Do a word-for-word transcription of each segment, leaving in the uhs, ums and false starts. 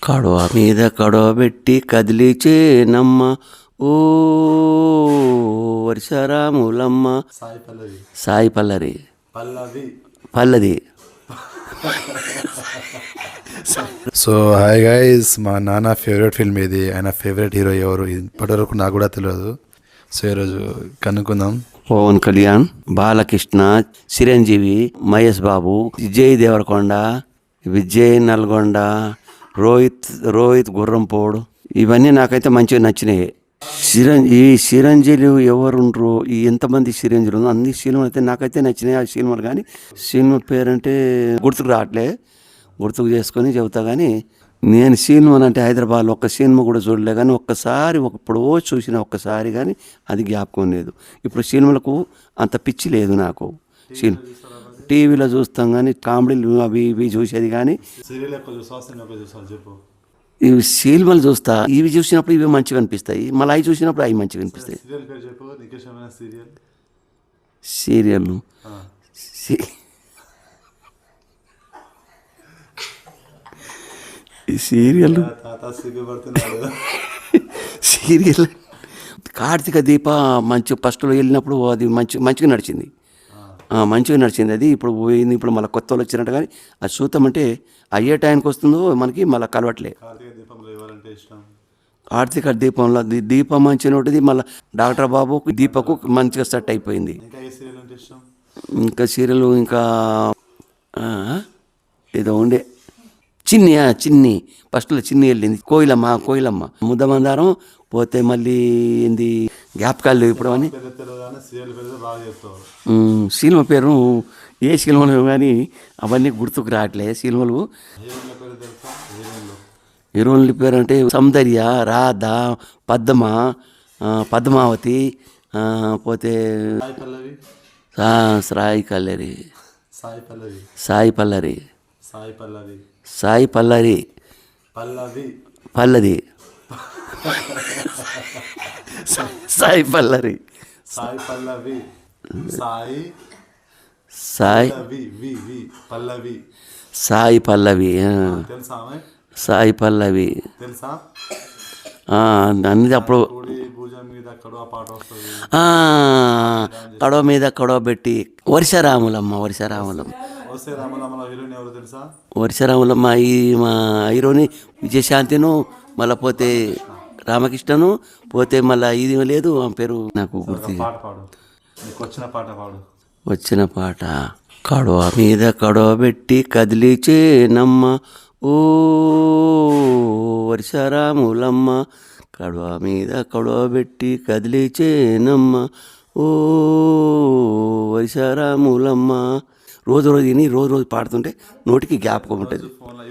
కడవ మీద కడవ పెట్టి కదిలిచేనమ్మ ఓ వర్షరాములమ్మ. సాయి పల్లవి సాయి పల్లరి పల్లవి పల్లది. సో హాయ్ గైస్, మా నాన్న ఫేవరెట్ ఫిల్మ్ ఇది. ఆయన ఫేవరెట్ హీరో ఎవరు ఇప్పటివరకు నాకు కూడా తెలియదు. సో ఈరోజు కనుక్కుందాం. పవన్ కళ్యాణ్, బాలకృష్ణ, చిరంజీవి, మహేష్ బాబు, విజయ్ దేవరకొండ, విజయ్ నల్గొండ, రోహిత్ రోహిత్ గుర్రంపోడు, ఇవన్నీ నాకైతే మంచిగా నచ్చినాయి. చిరం ఈ చిరంజీవి ఎవరుండ్రు, ఈ ఎంతమంది చిరంజీవులు అన్ని సినిమాలు అయితే నాకైతే నచ్చినాయి. ఆ సినిమాలు కానీ సినిమా పేరంటే గుర్తుకు రావట్లే, గుర్తుకు చేసుకొని చెబుతా. కానీ నేను సినిమాలు అంటే హైదరాబాద్లో ఒక్క సినిమా కూడా చూడలే, కానీ ఒక్కసారి ఎప్పుడో చూసిన ఒక్కసారి కానీ అది జ్ఞాపకం లేదు. ఇప్పుడు సినిమాలకు అంత పిచ్చి లేదు నాకు. సినిమా టీవీలో చూస్తాం కానీ కామెడీలు అవి ఇవి చూసేది. కానీ ఇవి సినిమాలు చూస్తా, ఇవి చూసినప్పుడు ఇవి మంచిగా అనిపిస్తాయి, మళ్ళీ అవి చూసినప్పుడు అవి మంచిగా అనిపిస్తాయి. Serial serial serial Karthika Deepa మంచి ఫస్ట్లో వెళ్ళినప్పుడు అది మంచి మంచిగా నడిచింది, మంచిగా నడిచింది. అది ఇప్పుడు పోయింది, ఇప్పుడు మళ్ళీ కొత్త వాళ్ళు వచ్చినట్టు. కానీ అది చూద్దామంటే అయ్యే టైంకి వస్తుందో మనకి మళ్ళీ కలవట్లే. కార్తీక దీపంలో దీపం మంచిగా ఉంటుంది, మళ్ళీ డాక్టర్ బాబు దీపకు మంచిగా సెట్ అయిపోయింది. ఇంకా సీరియల్ ఇంకా ఏదో ఉండే చిన్ని చిన్ని ఫస్ట్లో చిన్ని వెళ్ళింది, కోయిలమ్మ కోయిలమ్మ ముద్దమందారం పోతే మళ్ళీ ఏంది జ్ఞాపకాలు ఇప్పుడు అని సినిమా పేరు ఏ సినిమాలు కానీ అవన్నీ గుర్తుకు రావట్లే సినిమాలు. హీరోయిన్ల పేరు అంటే సౌందర్య, రాధ, పద్మ, పద్మావతి, పోతే సాయి కల్లరి సాయి పల్లరి సాయి పల్లరి పల్లది సాయి పల్లరి సాయి పల్లవి సాయి సాయి పల్లవి సాయి పల్లవి సాయి పల్లవి అన్ని అప్పుడు కడవ మీద కడవ పెట్టి వర్షరాములమ్మ వర్షరాములమ్మ వర్షరాములమ్మ ఈ మా హీరోని విజయశాంతిను, మళ్ళీ పోతే రామకృష్ణను, పోతే మళ్ళీ ఇది లేదు ఆ పేరు నాకు గుర్తు. వచ్చిన పాట కడవ మీద కడవ పెట్టి కదిలిచేనమ్మ ఓ వర్షరాములమ్మ. కడవ మీద కడవ పెట్టి కదిలిచేనమ్మ ఓ వర్షరాములమ్మ. రోజు రోజు విని రోజు రోజు పాడుతుంటే నోటికి జ్ఞాపకం ఉంటుంది.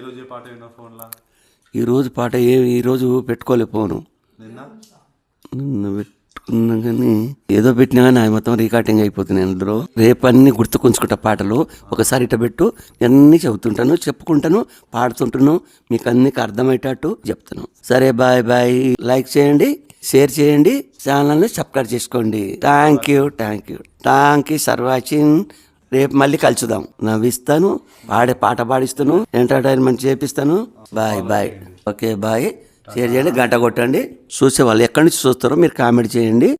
ఈరోజు పాట ఏ ఈరోజు పెట్టుకోలే ఫోను, నిన్న పెట్టుకున్నా కానీ ఏదో పెట్టినా కానీ అవి మొత్తం రికార్డింగ్ అయిపోతున్నాయి అందులో. రేపు అన్నీ గుర్తుకుంచుకుంటా పాటలు. ఒకసారి ఇట పెట్టు అన్నీ చెబుతుంటాను, చెప్పుకుంటాను, పాడుతుంటాను, మీకు అన్నికి అర్థమయ్యేటట్టు చెప్తాను. సరే బాయ్ బాయ్. లైక్ చేయండి, షేర్ చేయండి, ఛానల్ని సబ్స్క్రైబ్ చేసుకోండి. Thank you thank you thank you for watching. రేపు మళ్ళీ కలుసుదాం. నవ్విస్తాను, పాడే పాట పాడిస్తాను, ఎంటర్టైన్మెంట్ చేపిస్తాను. Bye bye. Okay bye. Share చేయండి, గంట కొట్టండి. చూసే వాళ్ళు ఎక్కడి నుంచి చూస్తారో మీరు కామెంట్ చేయండి.